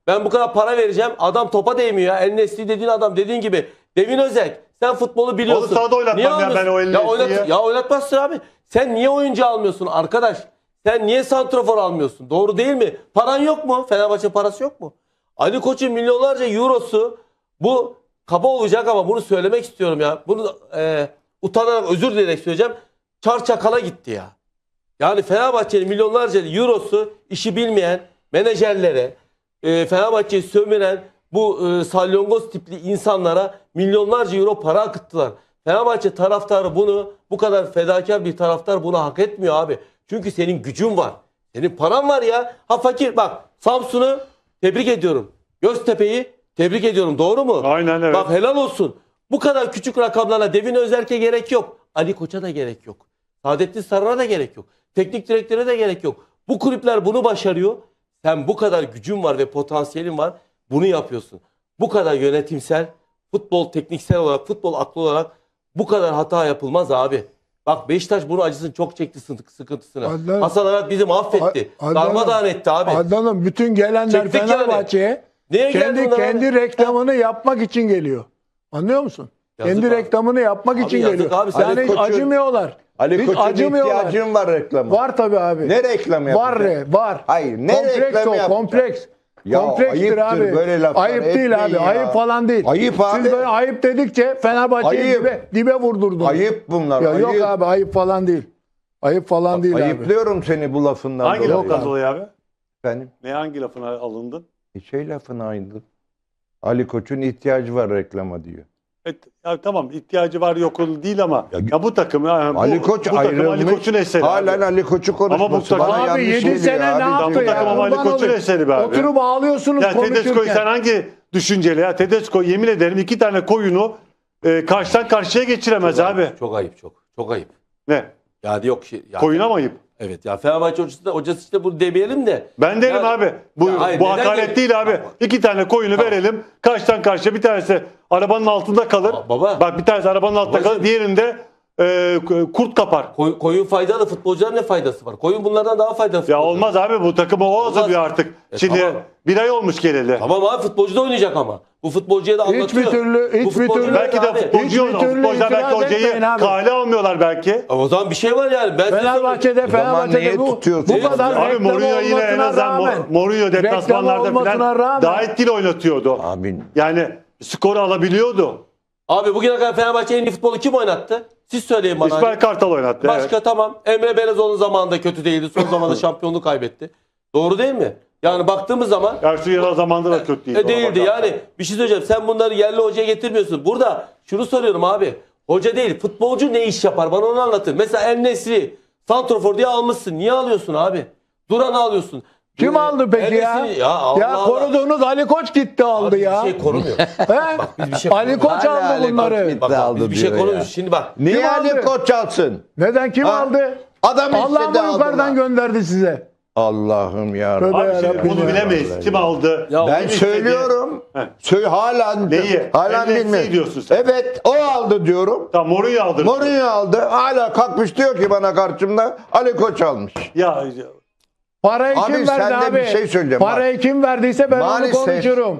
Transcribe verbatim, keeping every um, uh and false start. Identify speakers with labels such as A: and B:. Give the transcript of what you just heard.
A: Ben bu kadar para vereceğim. Adam topa değmiyor ya. El Nesri dediğin adam dediğin gibi. Devin Özek. Sen futbolu biliyorsun.
B: Onu sahada oynatmam
A: niye
B: ya ben o El
A: ya, oynat,
B: Nesri'yi.
A: ya oynatmazsın abi. Sen niye oyuncu almıyorsun arkadaş? Sen niye santrafor almıyorsun? Doğru değil mi? Paran yok mu? Fenerbahçe parası yok mu? Ali Koç'un milyonlarca eurosu, bu kaba olacak ama bunu söylemek istiyorum ya. Bunu e, utanarak, özür dileyerek söyleyeceğim. Çarçakala gitti ya. Yani Fenerbahçe'nin milyonlarca eurosu işi bilmeyen menajerlere, e, Fenerbahçe'yi sömüren bu e, salyongoz tipli insanlara milyonlarca euro para akıttılar. Fenerbahçe taraftarı bunu, bu kadar fedakar bir taraftar bunu hak etmiyor abi. Çünkü senin gücün var. Senin paran var ya. Ha fakir bak, Samsun'u tebrik ediyorum. Göztepe'yi tebrik ediyorum. Doğru mu?
B: Aynen evet.
A: Bak helal olsun. Bu kadar küçük rakamlarla Devin Özerk'e gerek yok. Ali Koç'a da gerek yok. Saadettin Saran'a da gerek yok. Teknik direktöre de gerek yok. Bu kulüpler bunu başarıyor. Sen bu kadar gücün var ve potansiyelin var. Bunu yapıyorsun. Bu kadar yönetimsel, futbol tekniksel olarak, futbol aklı olarak bu kadar hata yapılmaz abi. Bak Beşiktaş bunun acısını çok çekti, sıkıntısını.
C: Adnan-
A: Hasan Arat bizi mahvetti.
C: Adnan-
A: Darmadağın etti abi.
C: Adnan'ım bütün gelenler
A: Çektik yani.
C: Fenerbahçe'ye
A: Neye geldi
C: kendi
A: bunlar
C: kendi
A: abi?
C: reklamını yapmak için geliyor. Anlıyor musun?
A: Yazık
C: kendi
A: abi.
C: reklamını yapmak
A: Abi
C: için
A: yazık
C: geliyor.
A: abi.
C: Yani
D: Ali
C: hiç
D: Koç'un-
C: acımıyorlar.
D: Ali
C: Hiç
D: Koç'un
C: acımıyorlar.
D: ihtiyacın var reklama.
C: Var tabii abi.
D: Ne reklamı
C: Var
D: yapacak?
C: re, var.
D: Hayır, ne
C: kompleks
D: reklamı
C: o,
D: yapacak?
C: kompleks.
D: Ya
C: Komplekstir
D: ayıptır
C: abi.
D: böyle laflar,
C: Ayıp değil
D: etmeyin
C: abi.
D: ya.
C: Ayıp falan değil.
D: Ayıp abi.
C: Siz böyle ayıp dedikçe Fenerbahçe'yi
D: Ayıp.
C: dibe, dibe vurdurdunuz.
D: Ayıp bunlar.
C: Ya
D: ayıp.
C: yok abi, ayıp falan değil. Ayıp falan değil abi.
D: Ayıplıyorum seni bu lafından
B: Hangi
D: dolayı.
B: lafından dolayı abi?
D: Efendim?
B: Ne hangi lafına alındın?
D: E şey lafına ayındım. Ali Koç'un ihtiyacı var reklama diyor.
B: Evet, ya tamam ihtiyacı var yok değil ama
D: Ya-
B: ya, bu takım yani bu,
D: Ali Koç
B: bu takım Ali
D: ayrılmış.
B: Koç'un eseri.
D: Halen
B: abi.
D: Ali Koç'u konuşması
B: Ama bu takım-
D: bana
C: Abi
D: yanlış
C: yedi
D: geliyor
C: sene
D: abi.
C: ne yaptı
B: bu
C: ya?
B: takım ama Ali
C: Kurban
B: Koç'un
C: olayım.
B: eseri be abi.
C: Oturup ağlıyorsunuz
B: Ya Tedesco'yu
C: konuşurken.
B: sen hangi düşünceli ya? Tedesco yemin ederim iki tane koyunu e, karşıdan karşıya geçiremez
A: Çok
B: abi.
A: ayıp, çok ayıp çok. Çok ayıp.
B: Ne?
A: Yani yok şey. Ya,
B: Koyuna mı ayıp?
A: Evet ya Fenerbahçe hocası da, hocası işte bunu demeyelim de.
B: Ben derim
A: Yani-
B: abi. Bu,
A: Ya hayır,
B: bu
A: neden
B: hakaret
A: de-
B: değil abi.
A: Bak, bak.
B: İki tane koyunu
A: Tamam.
B: verelim. Karşıdan karşıya bir tanesi arabanın altında kalır.
A: Aa, baba.
B: Bak bir tanesi arabanın altında
A: Babacığım.
B: kalır. Diğerinde e, kurt kapar.
A: Koy, koyun faydalı, futbolcuların ne faydası var? Koyun bunlardan daha faydalı.
B: Ya
A: futbolcu.
B: olmaz abi bu takımı o
A: Olmaz.
B: hazırlıyor artık.
A: E,
B: Şimdi
A: tamam.
B: bir ay olmuş geleli.
A: Tamam abi futbolcu da oynayacak ama. Bu futbolcuya da anlatıyor.
C: Hiçbir türlü-
A: Bu
C: hiçbir
A: futbolcu
C: türlü-
A: da
B: Belki de
A: abi.
B: futbolcu
C: Hiçbir
B: oynuyor.
C: türlü
B: Futbolcular belki
C: itiraz
B: hocayı
C: etmeyin abi.
B: kale almıyorlar belki.
A: O zaman bir şey var yani. Ben size
C: Fenerbahçe'de,
D: O zaman
C: Fenerbahçe'de
D: niye
C: bu,
D: tutuyorsun?
C: bu kadar
B: Abi
C: reklam
B: Mourinho yine en
C: olmasına
B: azından
C: rağmen,
B: Mo- Mourinho
C: reklam
B: deplasmanlarda
C: olmasına
B: falan
C: rağmen-
B: daha etkili oynatıyordu.
D: Abi
B: Yani skoru alabiliyordu.
A: Abi bugüne kadar Fenerbahçe en iyi futbolu kim oynattı? Siz söyleyin bana.
B: İsmail Kartal oynattı.
A: Başka
B: evet.
A: tamam. Emre Belezoğlu'nun zamanında kötü değildi. Son zamanda şampiyonluğu kaybetti. Doğru değil mi? Yani baktığımız zaman
B: Ersun Yanal zamanında da kötü değildi.
A: e, değildi.
B: ona bakarsan.
A: Yani bir şey söyleyeceğim. Sen bunları yerli hocaya getirmiyorsun. Burada şunu soruyorum abi. Hoca değil. Futbolcu ne iş yapar? Bana onu anlatın. Mesela El Nesri santrofor diye almışsın. Niye alıyorsun abi? Duran'ı alıyorsun.
C: Kim
A: Ee,
C: aldı peki
A: El
C: ya?
A: Nesri- Ya, Allah
C: Ya
A: Allah.
C: koruduğunuz Ali Koç gitti aldı
A: Abi
C: ya.
A: Bir şey korumuyor.
C: He?
A: biz bir şey
C: Ali Koç
D: Hala
C: aldı
D: Ali Koç
C: bunları.
D: gitti.
A: Bak, bak
D: aldı
A: biz bir şey
D: diyor
A: korumuyoruz.
D: ya.
A: Şimdi bak.
D: niye
C: Kim
D: Ali
C: aldı?
D: Koç alsın?
C: Neden kim
D: Ha?
C: aldı?
D: Adam
C: Allah
D: istedi
C: mı yukarıdan
D: aldılar.
C: gönderdi size?
D: Allah'ım ya.
C: Tövbe
B: Abi şimdi
C: yarabbim
B: bunu
C: ya.
B: bilemeyiz. Kim aldı?
A: Ya
B: kim
D: Ben
B: istedi?
D: söylüyorum.
B: He.
D: Söyle hala
B: Neyi?
D: hala
B: En
D: bilmiyorum.
B: diyorsun sen.
D: Evet, o aldı diyorum.
B: Tamam Mourinho aldı.
D: Mourinho aldı. Hala kalkmış diyor ki bana karşımda Ali Koç almış.
B: Ya
C: Parayı
D: Abi
C: kim
D: sen
C: verdi
D: de
C: abi?
D: bir şey söyleyeceğim.
C: Parayı kim verdiyse ben
D: Maalesef-
C: onu konuşurum.